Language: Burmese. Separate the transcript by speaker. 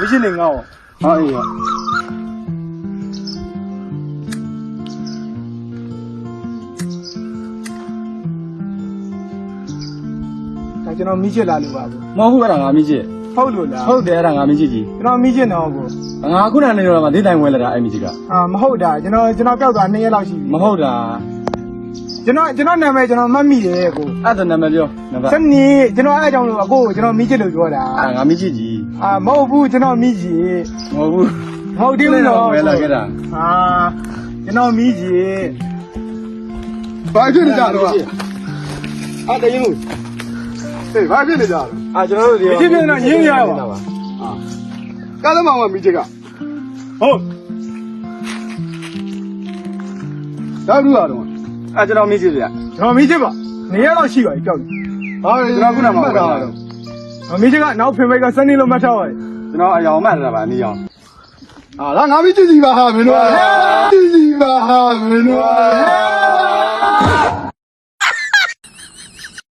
Speaker 1: 微信领我。
Speaker 2: 哎呀，
Speaker 1: 但ကျွန်တော်မိချစ်လာလို့ပါဘူး
Speaker 2: မဟုတ်ရတာငါမကြီး
Speaker 1: ဟုတ်လို့လား
Speaker 2: ဟုတ်တယ်အဲ့ဒါငါမကြီးကြီး
Speaker 1: ကျွန်တော်မိချစ်တော့ဘူး
Speaker 2: ငါခုနကနေတော့မှဒေးတိုင်ဝဲလာတာအဲ့မကြီးက
Speaker 1: မဟုတ်တာကျွန်တော်ပြောက်သွား2ရက်လောက်ရှိပြီ
Speaker 2: မဟုတ်တာ
Speaker 1: ကျွန်တော်နာမည်ကျွန်တော်မှတ်မိတယ်ကို
Speaker 2: အဲ့ဒါနာမည်ပြောနံပါတ်
Speaker 1: စနေကျွန်တော်အဲ့အကြောင်းလို့အကိုကိုကျွန်တော်မိချစ်လို့ပြောတာ
Speaker 2: ငါမကြီးကြီး
Speaker 1: မဟုတ်ဘူးကျွန်တော်မိချစ်
Speaker 2: မဟုတ်ဘူး
Speaker 1: မဟုတ်သေးဘူးနော်
Speaker 2: ဝဲလာခဲ့တာ
Speaker 1: ကျွန်တော်မိချစ်
Speaker 3: ဘာဖြစ်နေကြတော့
Speaker 2: အဲ့တရင်လို့
Speaker 3: ဟေးဘာဖြစ်နေကြတော့
Speaker 2: ကျွန်တော်တို့ဒီ
Speaker 1: ဖြစ်ဖြစ်တော့ရင်းရပါ
Speaker 3: ကားသမားကမိချစ်က
Speaker 1: ဟုတ်
Speaker 3: ဒါဘူးလားတော့
Speaker 2: ကျွန်တော်မကြီးဗျ
Speaker 1: ကျွန်တော်မိချစ်ပါ2ရက်လောက်ရှိပါပြီပြောက်
Speaker 3: ဘာလဲကျွန်တော်ခုနမှမှတ်တာတော့
Speaker 1: မိချစ်ကနောက်ဖင်ဘိတ်ကစနေလို့မှတ်ထားပါတယ်
Speaker 2: ကျွန်တော်အယောင်မှတ်တာပါနေအောင်
Speaker 3: ဒါငါမိချစ်စီပါဟာမင်းတို့ကြည့်စီပါဟာမင်းတို့